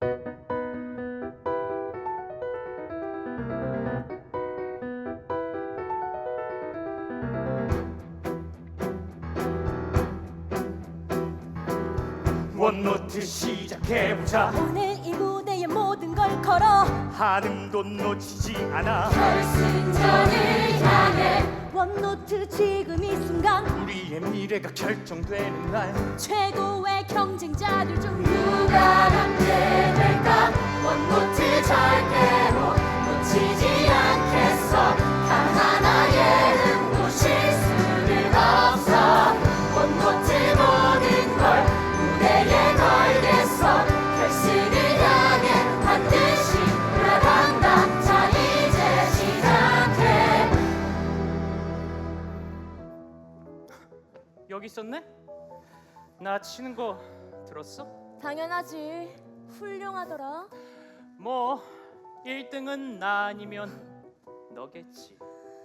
원노트 시작해보자. 오늘 이 무대에 모든 걸 걸어 한음도 놓치지 않아. 결승전을 향해 원노트 지금 이 순간 우리의 미래가 결정되는 날. 최고의 경쟁자들 중 누가 남게 될까. 원노트 절대로 놓치지 않겠어. 단 하나의 음도 실수는 없어. 원노트 모든 걸 무대에 걸겠어. 결승을 향해 반드시 나간다. 자 이제 시작해. 여기 있었네? 나 치는 거 들었어? 당연하지. 훌륭하더라. 뭐 1등은 나 아니면 너겠지.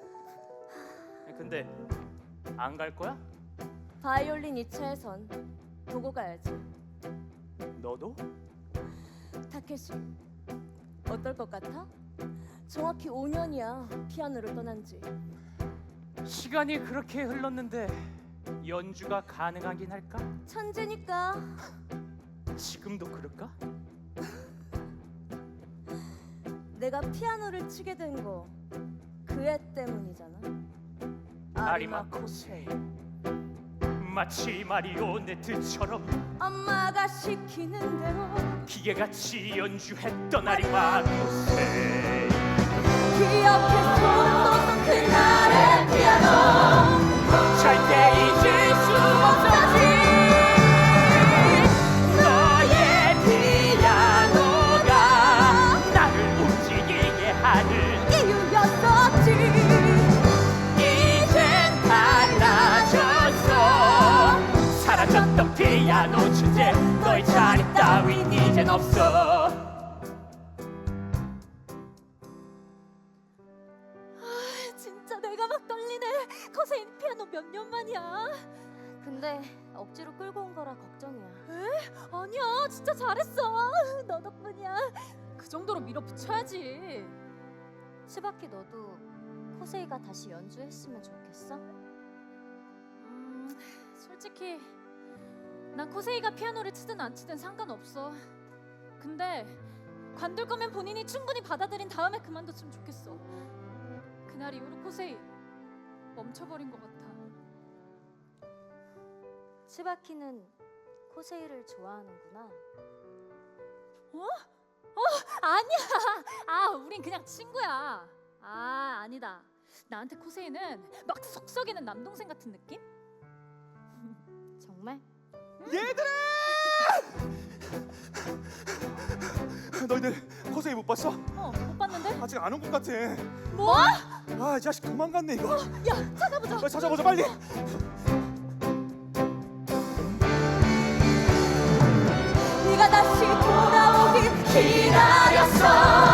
근데 안 갈 거야? 바이올린 2차에선 보고 가야지. 너도? 타케시, 어떨 것 같아? 정확히 5년이야 피아노를 떠난 지. 시간이 그렇게 흘렀는데 연주가 가능하긴 할까? 천재니까. 지금도 그럴까? 내가 피아노를 치게 된 거 그 애 때문이잖아. 아리마 코세이. 마치 마리오네트처럼 엄마가 시키는 대로 기계같이 연주했던 아리마 코세이. 기억해 소름 돋던 그날의 피아노. 절대 잊을 수 없었지. 너의 피아노가 나를 움직이게 하는 이유였었지. 이젠 달라졌어. 사라졌던 피아노 주제. 너의 자리 따윈 이젠 없어. 진짜 내가 막 떨리네. 코세인 피아노 몇 년 만이야? 근데 억지로 끌고 온 거라 걱정이야. 에? 아니야, 진짜 잘했어. 너 덕분이야. 그 정도로 밀어붙여야지. 시바키, 너도 코세이가 다시 연주했으면 좋겠어? 솔직히 난 코세이가 피아노를 치든 안 치든 상관없어. 근데 관둘 거면 본인이 충분히 받아들인 다음에 그만뒀으면 좋겠어. 그날 이후로 코세이 멈춰버린 것 같아. 치바키는 코세이를 좋아하는구나. 아니야. 우린 그냥 친구야. 아니다. 나한테 코세이는 막 속썩이는 남동생 같은 느낌? 정말? 얘들아! 너희들 코세이 못 봤어? 못 봤는데? 아직 안 온 것 같아. 뭐? 아, 이 자식 도망갔네 이거. 야, 찾아보자. 빨리 찾아보자 빨리. 네가 다시 돌아오길 기다렸어.